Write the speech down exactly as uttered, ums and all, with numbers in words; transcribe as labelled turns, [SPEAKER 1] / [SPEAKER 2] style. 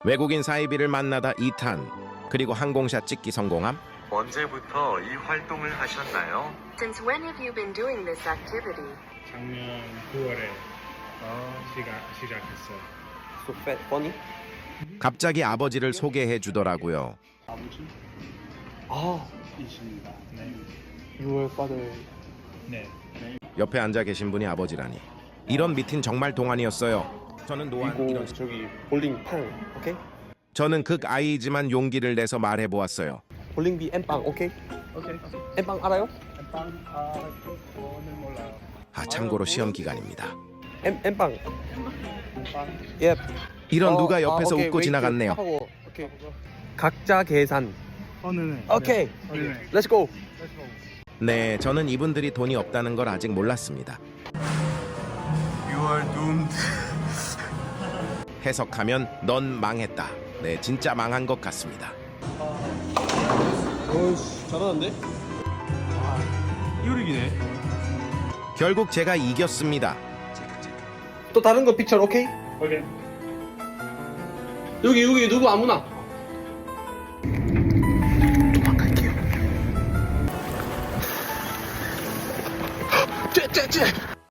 [SPEAKER 1] 외국인 사이비를 만나다 이 탄. 그리고 항공샷 찍기 성공함?
[SPEAKER 2] 언제부터 이 활동을 하셨나요?
[SPEAKER 3] Since when have you been doing this activity?
[SPEAKER 4] 작년 구월에 시작, 시작했어요.
[SPEAKER 5] So fat, funny?
[SPEAKER 1] 갑자기 아버지를 소개해 주더라고요.
[SPEAKER 4] 아버지?
[SPEAKER 5] 아,
[SPEAKER 4] 이십니다. 네.
[SPEAKER 5] your father.
[SPEAKER 4] 네.
[SPEAKER 1] 옆에 앉아 계신 분이 아버지라니. 이런 미팅 정말 동안이었어요. 저는 노안
[SPEAKER 5] 이거
[SPEAKER 1] 이런
[SPEAKER 5] 저기 볼링 팡, 오케이?
[SPEAKER 1] 저는 극 아이지만 용기를 내서 말해 보았어요.
[SPEAKER 5] 볼링비 엠빵, 오케이?
[SPEAKER 4] 오케이.
[SPEAKER 5] 엠빵 알아요?
[SPEAKER 4] 빵, 아, 그거는 몰라요.
[SPEAKER 1] 아 참고로 시험 기간입니다.
[SPEAKER 5] 엠 엠빵.
[SPEAKER 4] 빵.
[SPEAKER 5] 예.
[SPEAKER 1] 이런
[SPEAKER 5] 어,
[SPEAKER 1] 누가 옆에서
[SPEAKER 5] 아, 오케이,
[SPEAKER 1] 웃고
[SPEAKER 5] 웨이트
[SPEAKER 1] 지나갔네요.
[SPEAKER 5] 하고, 오케이. 각자 계산.
[SPEAKER 4] 어, 네네.
[SPEAKER 5] 오케이.
[SPEAKER 4] 네. 네네.
[SPEAKER 5] Let's go.
[SPEAKER 1] 네, 저는 이분들이 돈이 없다는 걸 아직 몰랐습니다.
[SPEAKER 2] You are doomed.
[SPEAKER 1] 해석하면 넌 망했다. 네, 진짜 망한 것 같습니다.
[SPEAKER 5] 어이씨, 잘하는데?
[SPEAKER 2] 이유리기네.
[SPEAKER 1] 결국 제가 이겼습니다.
[SPEAKER 5] 또 다른 거 픽처, 오케이?
[SPEAKER 4] 오케이.
[SPEAKER 5] 여기 여기 누구 아무나. 도망갈게요. 쟤쟤쟤.